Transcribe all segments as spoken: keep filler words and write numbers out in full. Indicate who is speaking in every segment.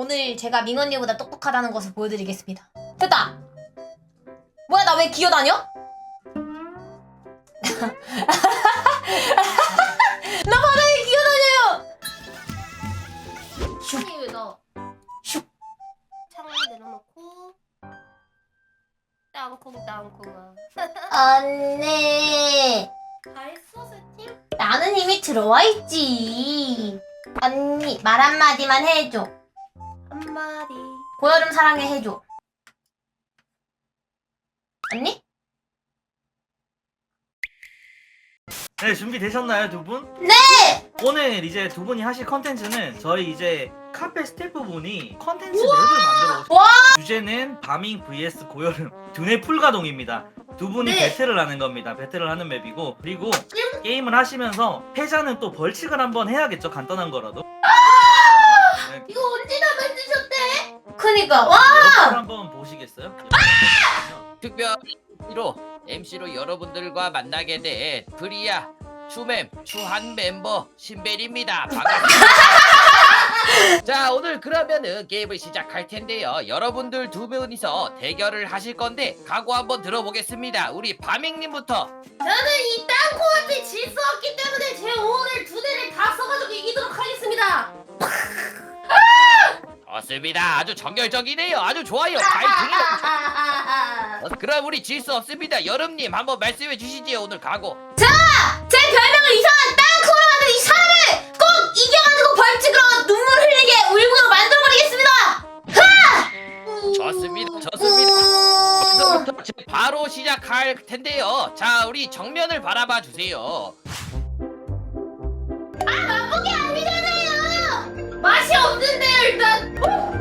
Speaker 1: 오늘 제가 민언니보다 똑똑하다는 것을 보여드리겠습니다. 됐다! 뭐야, 나 왜 기어다녀? 나 바닥에 기어다녀요!
Speaker 2: 슉! 왜 너?
Speaker 1: 슉!
Speaker 2: 창문 내려놓고 땅콩 땅콩아.
Speaker 1: 언니,
Speaker 2: 다 했어 세팅?
Speaker 1: 나는 이미 들어와 있지. 언니, 말 한마디만 해줘.
Speaker 2: 한마디.
Speaker 1: 고여름 사랑해 해줘. 언니?
Speaker 3: 네, 준비되셨나요, 두 분?
Speaker 1: 네!
Speaker 3: 오늘 이제 두 분이 하실 컨텐츠는 저희 이제 카페 스태프분이 컨텐츠 맵을 만들어 오셨어요.
Speaker 1: 와!
Speaker 3: 주제는 바밍 vs 고여름 두뇌 풀가동입니다. 두 분이
Speaker 2: 네.
Speaker 3: 배틀을 하는 겁니다. 배틀을 하는 맵이고, 그리고 게임을 하시면서 패자는 또 벌칙을 한번 해야겠죠, 간단한 거라도. 네,
Speaker 2: 이거 언제 다 만드셨대?
Speaker 1: 그니까, 와!
Speaker 3: 옆을 한번 보시겠어요?
Speaker 4: 특별히로 엠시로 여러분들과 만나게 된 프리야, 추mem, 추한 멤버 신벨입니다. 반갑습니다. 자, 오늘 그러면은 게임을 시작할 텐데요. 여러분들 두 분이서 대결을 하실 건데 각오 한번 들어보겠습니다. 우리 바밍님부터.
Speaker 2: 저는 이 땅콩한테 질 수 없기 때문에 제 오늘 두 대를 다 써가지고 이기도록 하겠습니다.
Speaker 4: 좋습니다. 아주 정열적이네요. 아주 좋아요. 파이팅이요. 어, 그럼 우리 질 수 없습니다. 여름님 한번 말씀해 주시지요. 오늘 각오.
Speaker 1: 자! 제 별명을 이상한 땅콩으로 만든 이 사람을 꼭 이겨가지고 벌칙으로 눈물 흘리게 울고로 만들어버리겠습니다!
Speaker 4: 좋습니다. 좋습니다. 벌써부터 지금 바로 시작할 텐데요. 자, 우리 정면을 바라봐 주세요.
Speaker 1: 맛보기 아니잖아요!
Speaker 2: 맛이 없는데요 일단.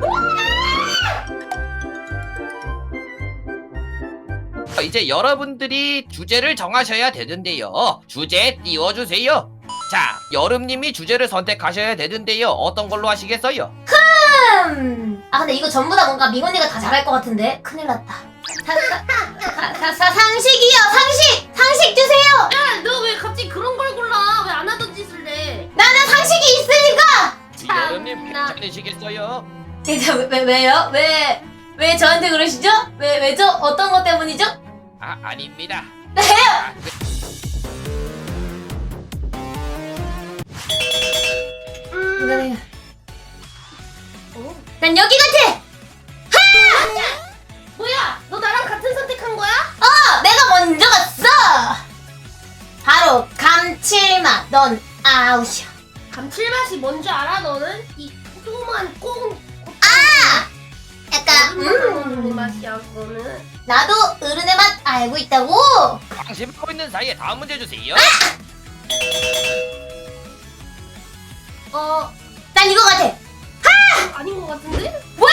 Speaker 4: 어, 이제 여러분들이 주제를 정하셔야 되는데요. 주제 띄워주세요. 자, 여름님이 주제를 선택하셔야 되는데요. 어떤 걸로 하시겠어요?
Speaker 1: 음... 아 근데 이거 전부 다 뭔가 민언니가 다 잘할 것 같은데? 큰일 났다. 사, 사, 사, 사, 사, 상식이요! 상식! 상식 주세요!
Speaker 2: 야, 너 왜 갑자기 그런 걸 골라? 왜 안 하던 짓을 해?
Speaker 1: 나는 상식이 있으니까!
Speaker 4: 여름님
Speaker 2: 참나.
Speaker 4: 괜찮으시겠어요?
Speaker 1: 왜, 왜, 왜요? 왜, 왜 저한테 그러시죠? 왜, 왜죠? 어떤 것 때문이죠?
Speaker 4: 아, 아닙니다.
Speaker 1: 네!
Speaker 4: 아, 그-
Speaker 2: 음.
Speaker 1: 이거는
Speaker 2: 어?
Speaker 1: 난 여기 같아!
Speaker 2: 뭐야? 너 나랑 같은 선택한 거야?
Speaker 1: 어! 내가 먼저 갔어! 바로 감칠맛. 넌 아웃이야.
Speaker 2: 감칠맛이 뭔지 알아 너는? 이 조그만 꽁.
Speaker 1: 약간
Speaker 2: 음.
Speaker 1: 음
Speaker 2: 맛이야 그거는.
Speaker 1: 나도 어른의 맛 알고 있다고.
Speaker 4: 방심하고 있는 사이에 다음 문제 주세요.
Speaker 2: 어
Speaker 1: 난 이거 같아.
Speaker 2: 아닌 것 같은데?
Speaker 1: 뭐야?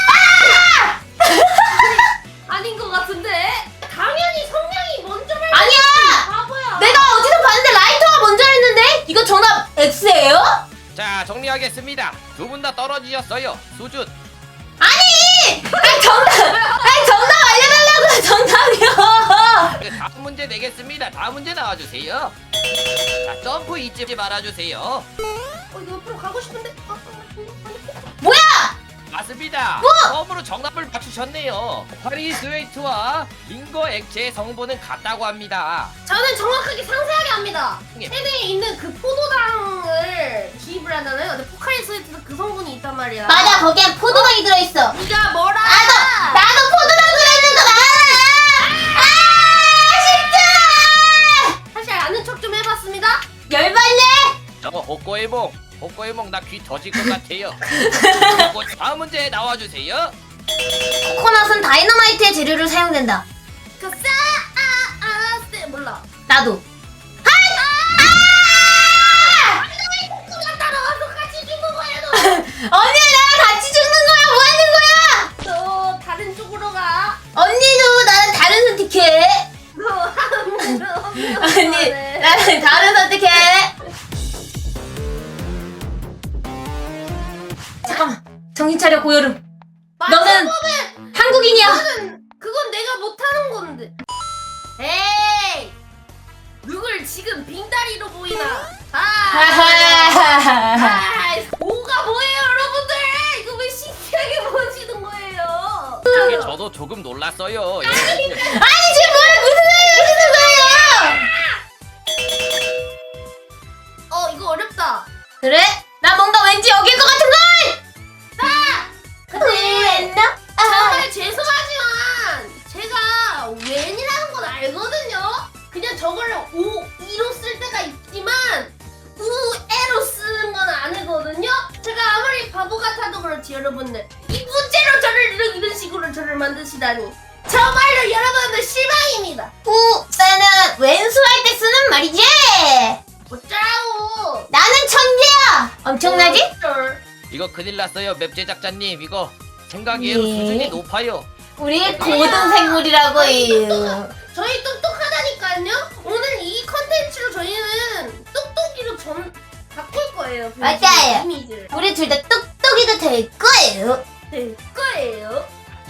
Speaker 2: 아닌 것 같은데? 당연히 성냥이 먼저 말.
Speaker 1: 아니야.
Speaker 2: 바보야.
Speaker 1: 내가 어디서 봤는데 라이터가 먼저 했는데? 이거 정답 X예요?
Speaker 4: 자, 정리하겠습니다. 두 분 다 떨어지셨어요. 수준.
Speaker 1: 아니! 아니 정답! 아니 정답 알려달라고요. 정답이요.
Speaker 4: 그 다음 문제 내겠습니다. 다음 문제 나와주세요. 자, 점프 잊지 말아주세요.
Speaker 2: 어 이거 옆으로 가고 싶은데. 어, 어, 어,
Speaker 1: 뭐야?
Speaker 4: 맞습니다. 처음으로 정답을 맞추셨네요. 파리 스웨이트와 링거 액체의 성분은 같다고 합니다.
Speaker 2: 저는 정확하게 상세하게 합니다.
Speaker 4: 예.
Speaker 2: 세대에 있는 그 포도당을 주입을 하잖아요. 근데 포카리 스웨트에서 그 성분이 있단 말이야.
Speaker 1: 맞아, 거기엔 포도당이 들어있어.
Speaker 2: 네가 뭐라?
Speaker 1: 나도 나도 포도당 들어있는 거 알아. 아 진짜.
Speaker 2: 사실 아는 척 좀 해봤습니다.
Speaker 1: 열받네.
Speaker 4: 저 호꼬에몽, 호꼬에몽 나 귀 터질 것 같아요. 다음 문제 나와주세요.
Speaker 1: 코코넛은 다이너마이트의 재료로 사용된다.
Speaker 2: 그 싸, 아, 아, 쎄, 몰라.
Speaker 1: 나도.
Speaker 2: 누가 따라와서 같이 죽는 거야, 너.
Speaker 1: 언니 나랑 같이 죽는 거야. 뭐 하는 거야?
Speaker 2: 너 다른 쪽으로 가.
Speaker 1: 언니도 나랑 다른 선택해.
Speaker 2: 너 하는
Speaker 1: 언니 나랑 다른 선택해. 잠깐만. 정신 차려 고여름. 너는 한국인이야.
Speaker 2: 그건, 그건 내가 못하는 건데. 에이! 누굴 지금 빙다리로 보이나? 아! 아! 뭐가 뭐예요, 여러분들? 이거 왜 시,
Speaker 4: 저도 조금 놀랐어요. 여러분들.
Speaker 1: 아니 지금 뭘 무슨 소리 하시는 거예요?
Speaker 2: 어 이거 어렵다.
Speaker 1: 그래? 나 뭔가 왠지 여길 것 같은 걸.
Speaker 2: 근데
Speaker 1: 나?
Speaker 2: 정말 죄송하지만 제가 웬이라는 건 알거든요. 그냥 저걸 오, 이로 쓸 때가 있지만 우에로 쓰는 건 아니거든요. 제가 아무리 바보 같아도 그렇지 여러분들. 이 문제로 저를 이런, 이런 식으로 저를 만드시다니. 정말로 여러분들 실망입니다.
Speaker 1: 우는 왼수할 때 쓰는 말이지.
Speaker 2: 어쩌라고.
Speaker 1: 나는 천재야. 엄청나지?
Speaker 2: 어쩔.
Speaker 4: 이거 큰일 났어요. 맵 제작자님 이거 생각외로
Speaker 1: 예.
Speaker 4: 수준이 높아요.
Speaker 1: 우리 고등 생물이라고요.
Speaker 2: 저희 똑똑하다니까요. 오늘 이 컨텐츠로 저희는 똑똑이로 전 바꿀 거예요. 그
Speaker 1: 맞아요.
Speaker 2: 이미지를.
Speaker 1: 우리 둘 다 똑똑이가 될 거예요.
Speaker 2: 될 거예요.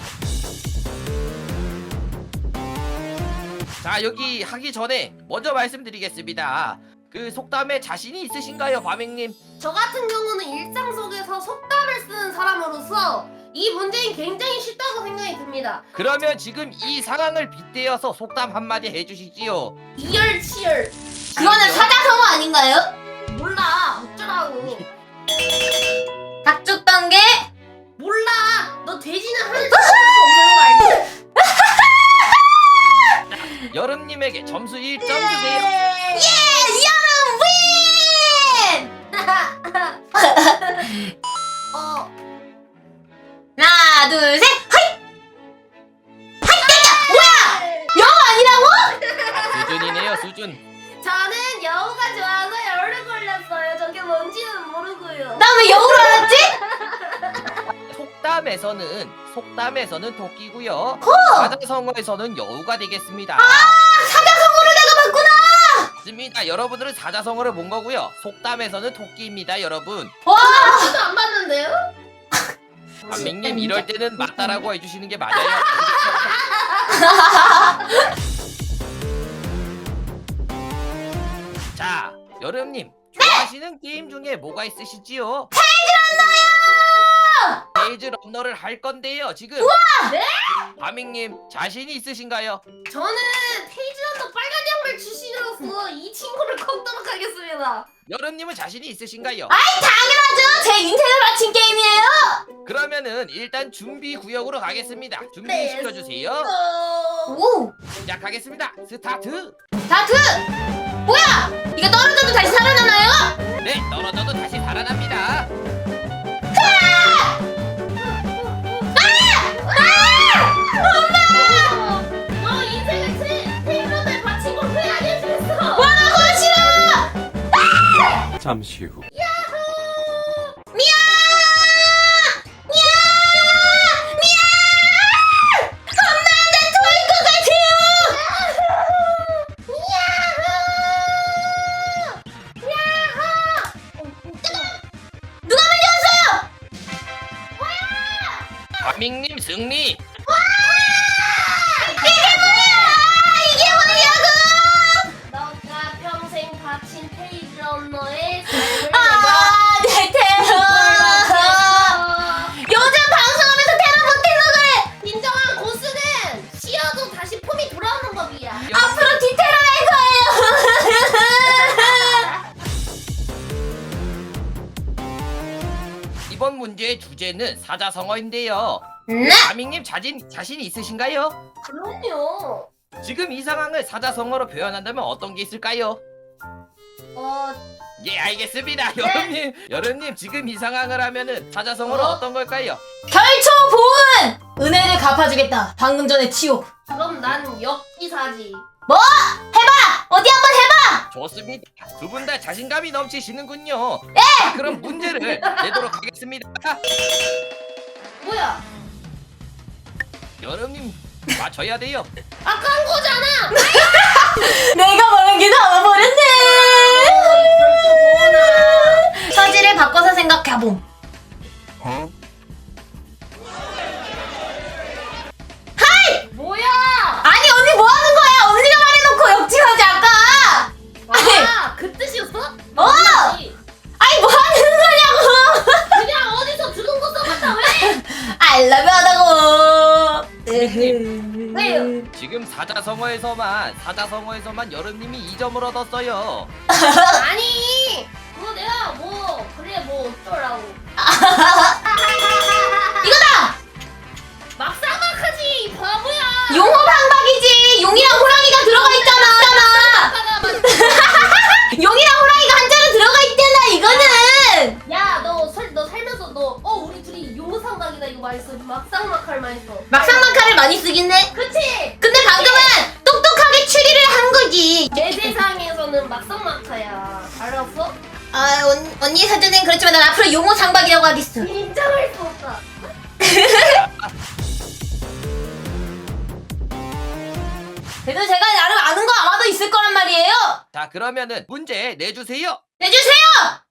Speaker 4: 자 여기 하기 전에 먼저 말씀드리겠습니다. 그 속담에 자신이 있으신가요, 바맹님?
Speaker 2: 저 같은 경우는 일상 속에서 속담을 쓰는 사람으로서 이 문제는 굉장히 쉽다고 생각이 듭니다.
Speaker 4: 그러면 지금 이 상황을 빗대어서 속담 한마디 해주시지요.
Speaker 2: 이열치열.
Speaker 1: 그거는 사자성어 아닌가요?
Speaker 2: 몰라. 어쩌라고.
Speaker 1: 닭 죽던 게
Speaker 2: 몰라. 너 돼지는 하늘 수 없는 거 알지?
Speaker 4: 여름님에게 점수 일 점 주세요.
Speaker 1: 예! 여름 윈!
Speaker 2: 어.
Speaker 1: 하나 둘 셋! 하이! 영어 아니라고?
Speaker 4: 수준이네요, 수준.
Speaker 2: 저는 여우가 좋아서 열을 걸렸어요. 저게 뭔지는 모르고요.
Speaker 1: 나 왜 영어로 알았지?
Speaker 4: 속담에서는 속담에서는 토끼고요.
Speaker 1: 어!
Speaker 4: 사자성어에서는 여우가 되겠습니다.
Speaker 1: 사자성어를 내가 봤구나!
Speaker 4: 맞습니다. 여러분들은 사자성어를 본 거고요. 속담에서는 토끼입니다, 여러분.
Speaker 1: 와!
Speaker 2: 저도 안 봤는데요?
Speaker 4: 반민님 이럴 때는 맞다라고 해주시는 게 맞아요. 자, 여름님 좋아하시는 게임 중에 뭐가 있으시지요? 페이지 런너를 할 건데요. 지금
Speaker 2: 네?
Speaker 4: 바밍님 자신이 있으신가요?
Speaker 2: 저는 페이지런더 빨간 양말 출신으로서 이 친구를 꺾도록 하겠습니다.
Speaker 4: 여름님은 자신이 있으신가요?
Speaker 1: 아이 당연하죠! 제 인생을 바친 게임이에요!
Speaker 4: 그러면은 일단 준비 구역으로 가겠습니다. 준비시켜주세요.
Speaker 2: 어...
Speaker 1: 오!
Speaker 4: 시작하겠습니다. 스타트.
Speaker 1: 다트! 뭐야! 이거 떨어져도 다시 살아나나요?
Speaker 4: 네, 떨어져도 다시 살아납니다.
Speaker 2: 너 인생을 테- 페이지런더에 바친 걸 후회 안 해주겠어.
Speaker 1: 와, 나 그거 싫어!
Speaker 5: 잠시 후.
Speaker 1: 미야! 미야! 미야! 엄마, 나 토할 것 같아요! 누가 먼저 왔어요?
Speaker 4: 바밍님 승리.
Speaker 1: 이게 뭐야! 이게 뭐냐고!
Speaker 2: 너가 평생 바친 페이지런너의 삶을
Speaker 1: 아, 내 테러!
Speaker 2: 내가
Speaker 1: 요즘 방송하면서 테러 못해서 그래!
Speaker 2: 진정한 고수는 쉬어도 다시 폼이 돌아오는 법이야.
Speaker 1: 앞으로 뒤테러 할 거예요!
Speaker 4: 이번 문제의 주제는 사자성어인데요.
Speaker 1: 네?
Speaker 4: 바밍님 자신 자신이 있으신가요?
Speaker 2: 그럼요.
Speaker 4: 지금 이 상황을 사자성어로 표현한다면 어떤 게 있을까요?
Speaker 2: 어,
Speaker 4: 예, 알겠습니다. 여름님, 여름님 지금 이 상황을 하면은 사자성어로
Speaker 2: 어?
Speaker 4: 어? 떤 걸까요?
Speaker 1: 결초 보은! 은혜를 갚아주겠다. 방금 전에 치욕.
Speaker 2: 그럼 난 역기사지.
Speaker 1: 뭐? 해봐! 어디 한번 해봐!
Speaker 4: 좋습니다. 두 분 다 자신감이 넘치시는군요. 네! 그럼 문제를 내도록 하겠습니다.
Speaker 2: 뭐야?
Speaker 4: 여름님 맞춰야 돼요.
Speaker 2: 아, 깐 거잖아.
Speaker 1: 내가 말한 게 나와버렸네! 처지를 바꿔서 생각해봄.
Speaker 2: 뭐야?
Speaker 1: 아니, 언니 뭐 하는 거야? 언니가 말해놓고 역지하지, 아까!
Speaker 2: 아, 그 뜻이었어?
Speaker 1: 어! 아니, 뭐 하는 거냐고!
Speaker 2: 그냥 어디서 들은 거 써봤다 왜?
Speaker 1: I love you 하다고! 으,
Speaker 4: 선생님
Speaker 2: 왜요?
Speaker 4: 지금 사자성어에서만 사자성어에서만 여름님이 이 점을 얻었어요.
Speaker 2: 아니 그거 내가 뭐 그래 뭐 어쩌라고.
Speaker 1: 이거다!
Speaker 2: 막상막하지 이 바보야.
Speaker 1: 용호방박이지! 용이랑 호랑이가 들어가 있잖아! 용이랑 호랑이가 한자로 들어가 있잖아, 이거는!
Speaker 2: 야너너 살면서 너 어 우리 둘이 용상각이다 이거 많이 써. 막상막할 많이 써.
Speaker 1: 막상막하를 많이 쓰긴 해.
Speaker 2: 그치?
Speaker 1: 근데 방금은 똑똑하게 추리를 한 거지.
Speaker 2: 내 세상에서는 막상막하야. 알았어?
Speaker 1: 아, 언, 언니 사전엔 그렇지만 난 앞으로 용호상박이라고 하겠어.
Speaker 2: 인정할 수 없다.
Speaker 1: 그래도 제가 나름 아는 거 아마도 있을 거란 말이에요.
Speaker 4: 자 그러면은 문제 내주세요.
Speaker 1: 내주세요!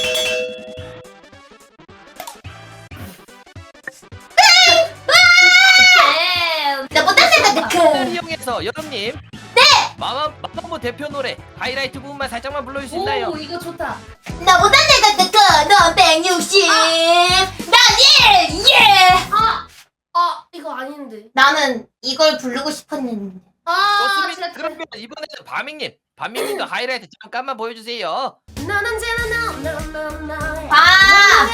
Speaker 2: 네.
Speaker 1: 나 못한다,
Speaker 4: 을
Speaker 1: 그.
Speaker 4: 이용해서 여름님 네! 마마, 마마보 대표 노래 하이라이트 부분만 살짝만 불러줄 수 있나요?
Speaker 2: 오 이거 좋다.
Speaker 1: 나 못한다, 그. 넌 백육십. 난 일! 예!
Speaker 2: 아! 아 이거 아닌데.
Speaker 1: 나는 이걸 부르고 싶었는데.
Speaker 2: 아
Speaker 4: 좋습니다.
Speaker 2: 진짜.
Speaker 4: 그러면 이번에는 바밍님 바밍님도 하이라이트 잠깐만 보여주세요.
Speaker 2: 넌 언제나 너너너너
Speaker 1: 봐!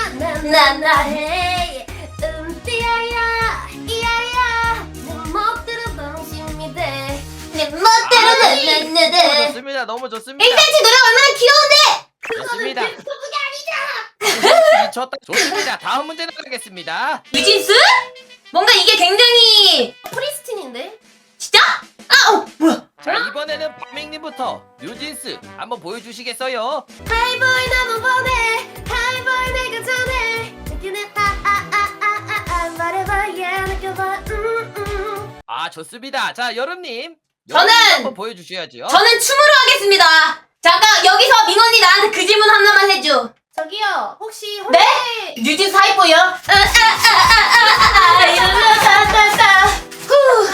Speaker 2: 나나해 음띠야야 이야야 내 멋대로 방심이 돼.
Speaker 1: 내 멋대로
Speaker 4: 너무
Speaker 1: 나나나나.
Speaker 4: 좋습니다. 너무 좋습니다.
Speaker 1: 일단지 노래 얼마나 귀여운데!
Speaker 4: 좋습니다.
Speaker 2: 그게 아니잖아.
Speaker 4: 미쳤다. 좋습니다. 다음 문제 나가겠습니다.
Speaker 1: 유진스? 뭔가 이게 굉장히
Speaker 2: 프리스틴인데?
Speaker 1: 진짜? 아, 어, 뭐야?
Speaker 4: 자 이번에는 바밍님부터 뉴진스 한번 보여주시겠어요?
Speaker 2: 하이보이 너무 보내 하이보이 내가 전해 느끼는 아아아아아 말해봐 예 느껴봐 음음
Speaker 4: 아 좋습니다. 자 여름님
Speaker 1: 저는-
Speaker 4: 여름님 한번 보여주셔야죠.
Speaker 1: 저는 춤으로 하겠습니다. 잠깐 여기서 민언니 나한테 그 질문 하나만 해줘.
Speaker 2: 저기요 혹시
Speaker 1: 네?
Speaker 2: 홀레
Speaker 1: 뉴진스 하이보이요? 아아아아아아 이러면서 후.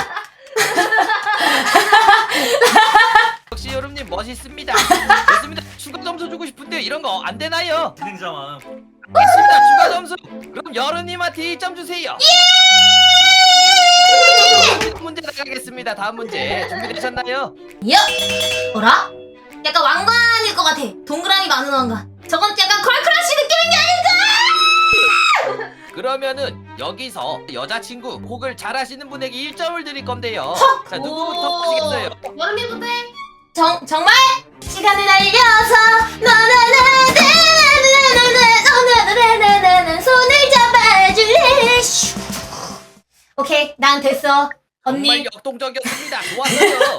Speaker 4: 역시 여름님 멋있습니다. 좋습니다. 추가 점수 주고 싶은데 이런 거 안 되나요?
Speaker 3: 진행자만.
Speaker 4: 알겠습니다. 추가 점수. 그럼 여름님한테 일 점 주세요. 예! 문제 나가겠습니다. 다음 문제 준비되셨나요?
Speaker 1: 야! 뭐라? 약간 왕관일 것 같아. 동그라미 많은 왕관. 저건 약간 컬크러쉬 느낌인 게 아닐까?
Speaker 4: 그러면은 여기서 여자친구 곡을 잘하시는 분에게 일 점을 드릴 건데요. 자 누구부터
Speaker 2: 오.
Speaker 4: 하시겠어요?
Speaker 2: 여름이부터 해.
Speaker 1: 정 정말? 시간을 날려서 너나나나나나나나나나나나 손을 잡아줄래? 슈. 오케이, 난 됐어.
Speaker 4: 정말
Speaker 1: 언니.
Speaker 4: 역동적이었습니다. 좋았어요.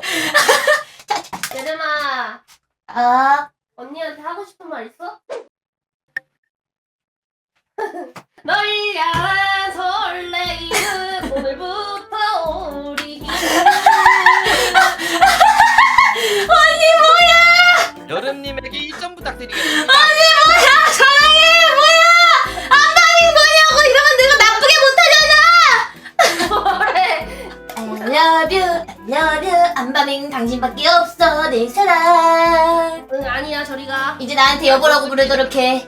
Speaker 2: 여름아
Speaker 1: 아,
Speaker 2: 언니한테 하고 싶은 말 있어? 널 향한 설레이는 오늘부터 우리
Speaker 4: 여름님에게 일 점 부탁드리겠습니다.
Speaker 1: 뭐야? 사랑해, 뭐야? 안방이 뭐냐고 이러면 내가 나쁘게 못하잖아.
Speaker 2: 뭐래?
Speaker 1: I love you, I love you. 안방엔 당신밖에 없어, 내 사랑.
Speaker 2: 응 아니야 저리가.
Speaker 1: 이제 나한테 여보라고 부르도록 해.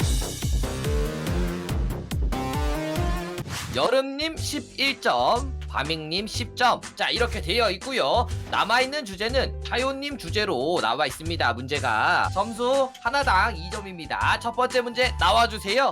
Speaker 4: 여름님 십일 점, 바밍님 십 점. 자 이렇게 되어 있고요. 남아있는 주제는 타요님 주제로 나와 있습니다. 문제가 점수 하나당 이 점입니다. 첫 번째 문제 나와주세요.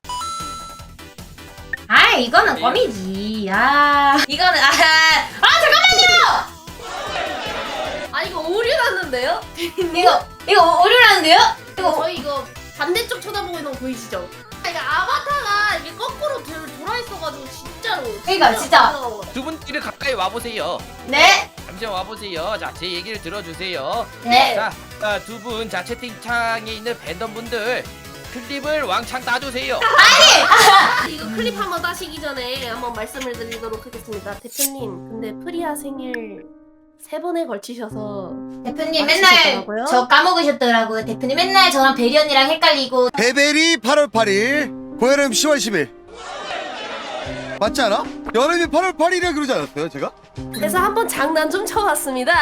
Speaker 1: 아, 이거는 껌이지. 아, 이거는 아, 아 잠깐만요.
Speaker 2: 아 이거 오류 났는데요?
Speaker 1: 이거 이거 오류라는데요? 이거
Speaker 2: 저희 이거 반대쪽 쳐다보고 있는 거 보이시죠? 아, 이거 아바타가 이게 거꾸로 들, 돌아 있어가지고 진짜로.
Speaker 1: 그러니까, 진짜.
Speaker 4: 두 분끼리 가까이 와보세요.
Speaker 1: 네,
Speaker 4: 잠시만 와보세요. 자 제 얘기를 들어주세요.
Speaker 1: 네.
Speaker 4: 자 두 분 자 채팅창에 있는 팬덤분들 클립을 왕창 따주세요.
Speaker 2: 이거 클립 한번 따시기 전에 한번 말씀을 드리도록 하겠습니다. 대표님, 근데 프리아 생일 세 번에 걸치셔서
Speaker 1: 대표님
Speaker 2: 아,
Speaker 1: 맨날
Speaker 2: 진짜더라고요?
Speaker 1: 저 까먹으셨더라고요. 대표님 맨날 저랑 베리 언니랑 헷갈리고.
Speaker 5: 베베리 팔월 팔일 고여름 시월 십일 맞지 않아? 여름이 팔월 팔일이라 그러지 않았어요 제가?
Speaker 2: 그래서 한번 장난 좀 쳐봤습니다.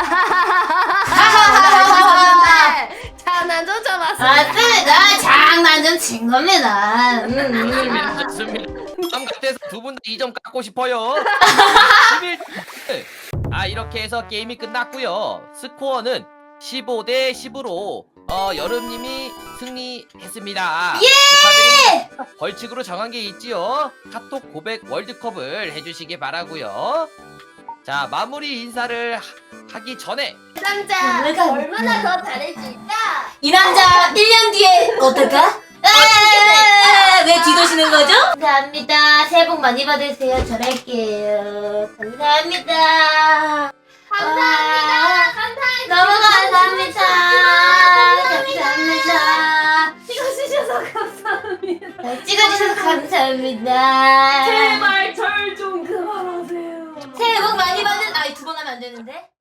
Speaker 1: 하하하하하.
Speaker 2: 장난 좀 쳐봤습니다.
Speaker 1: 맞습니다. 장난 좀 친 겁니다. 음, 음.
Speaker 4: 좋습니다. 좋습니다. 다음 같아서 두 분 다 이 점 깎고 싶어요. 십일 아 이렇게 해서 게임이 끝났고요. 스코어는 십오 대 십으로 어 여름님이 승리했습니다.
Speaker 1: 예!
Speaker 4: 축하드립니다. 벌칙으로 정한 게 있지요. 카톡 고백 월드컵을 해주시기 바라고요. 자 마무리 인사를 하- 하기 전에
Speaker 2: 이 남자
Speaker 1: 내가
Speaker 2: 얼마나 더 잘해줄까?
Speaker 1: 이 남자 일 년 뒤에 어떨까? 아, 왜 뒤도시는 거죠? 감사합니다. 새해 복 많이 받으세요. 잘할게요. 감사합니다.
Speaker 2: 감사합니다.
Speaker 1: 아,
Speaker 2: 감사합니다.
Speaker 1: 너무 감사합니다. 감사합니다.
Speaker 2: 찍어주셔서 감사합니다.
Speaker 1: 잘 찍어주셔서 감사합니다.
Speaker 2: 제발 절 좀 그만하세요.
Speaker 1: 새해 복 많이 받은. 아이 두 번 하면 안 되는데.